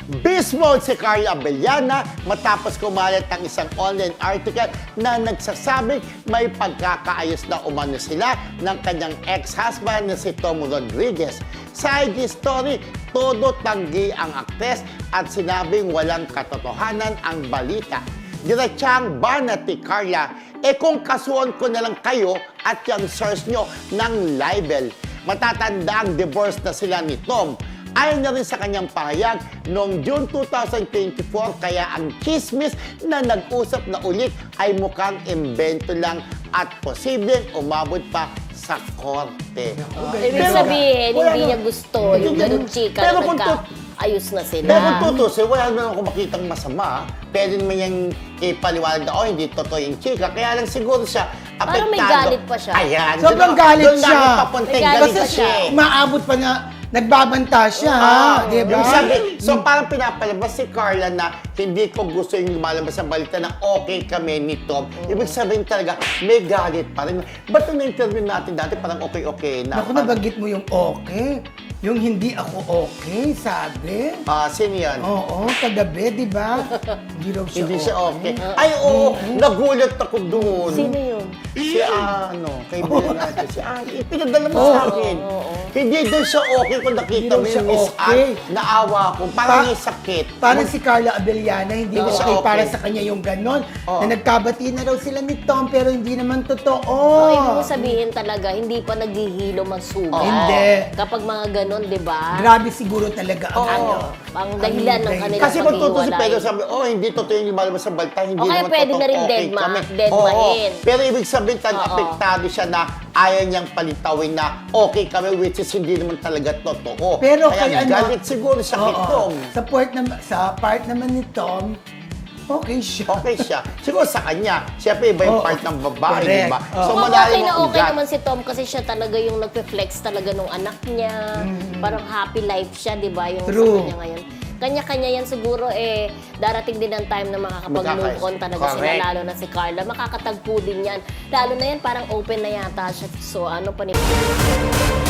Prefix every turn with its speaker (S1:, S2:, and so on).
S1: Beast mode si Carla Abellana matapos kumalat ang isang online article na nagsasabing may pagkakaayos na umano sila ng kanyang ex-husband na si Tom Rodriguez. Sa IG story, todo tanggi ang aktres at sinabing walang katotohanan ang balita. Diretsang banat ni Carla, kung kasuhan ko na lang kayo at yung source nyo ng libel. Matatanda ang divorce na sila ni Tom. Ayon na rin sa kanyang pahayag noong June 2024, kaya ang chismis na nag-usap na ulit ay mukhang imbento lang at posibleng umabot pa sa korte.
S2: Ibig sabihin, hindi niya gusto yung ganun chika na nagka-ayos na sila.
S1: Pero kung tutusin, wala naman ako makitang masama. Pwede naman yung ipaliwanag na, hindi totoo yung chika. Kaya lang siguro siya apektado.
S2: Parang may galit pa siya.
S1: Ayan.
S3: Sobrang galit siya.
S1: Doon namin papunta yung galit
S3: Kasi
S1: siya.
S3: maabot pa na nagbabanta siya, ha? Diba?
S1: Yung sabi, so parang pinapalabas si Carla na hindi ko gusto yung lumalabas sa balita na okay kami ni Tom. Ibig sabihin talaga, may galit pa rin. Ba't nung na-interview natin dati, parang okay-okay na.
S3: Naku, nabanggit mo yung okay. Yung hindi ako okay, sabi.
S1: Sino yan?
S3: Oo, kagabi, di ba? Hindi raw siya
S1: Hindi siya okay. Ay, oo, nagulat ako doon.
S2: Sino yun?
S1: Si kaibigan natin. Pinadala mo sa akin. Hindi doon siya okay kung nakita mo
S3: Hindi raw
S1: yung
S3: siya
S1: Miss
S3: okay.
S1: Anne. Naawa ko. Parang may sakit.
S3: Parang si Carla Abellana, hindi
S1: Hindi siya
S3: okay,
S1: okay.
S3: para sa kanya yung ganon.
S1: Oo.
S3: Na nagkabati na raw sila ni Tom, pero hindi naman totoo.
S2: Ibig mo sabihin talaga, hindi pa naghihilom ang sugat.
S3: Hindi.
S2: Kapag mga ganon, di ba?
S3: Grabe siguro talaga ang
S1: Oo.
S2: Ang dahilan ng kanilang
S1: Kasi kung tutusin,
S2: paghiwalay.
S1: pero sabi, hindi totoo yung lumalabas sa balita, hindi
S2: O kaya
S1: naman
S2: pwede
S1: totoo,
S2: na rin
S1: okay kami.
S2: deadmahin.
S1: Pero ibig sabihin,
S2: Oo.
S1: apektado siya na ayaw niyang palitawin na okay kami, which is hindi naman talaga totoo.
S3: Pero
S1: kaya
S3: kay
S1: galit siguro siya kay
S3: Oo.
S1: Tom.
S3: Sa part naman ni Tom, okay siya.
S1: Okay siya. Siguro sa kanya. Siyempre, iba yung
S3: Oo.
S1: part ng babae,
S3: Correct.
S1: di ba?
S3: Oo.
S1: So,
S2: Okay
S1: malalim
S2: na
S1: ang
S2: okay
S1: ugat.
S2: naman si Tom kasi siya talaga yung nagpe-flex talaga nung anak niya. Parang happy life siya, di ba? Yung
S3: True.
S2: sa kanya ngayon. Kanya-kanya yan siguro darating din ang time na makakapag-move on talaga sila,
S1: Correct.
S2: lalo na si Carla. Makakatagpo din yan. Lalo na yan, parang open na yata siya. So ano pa ni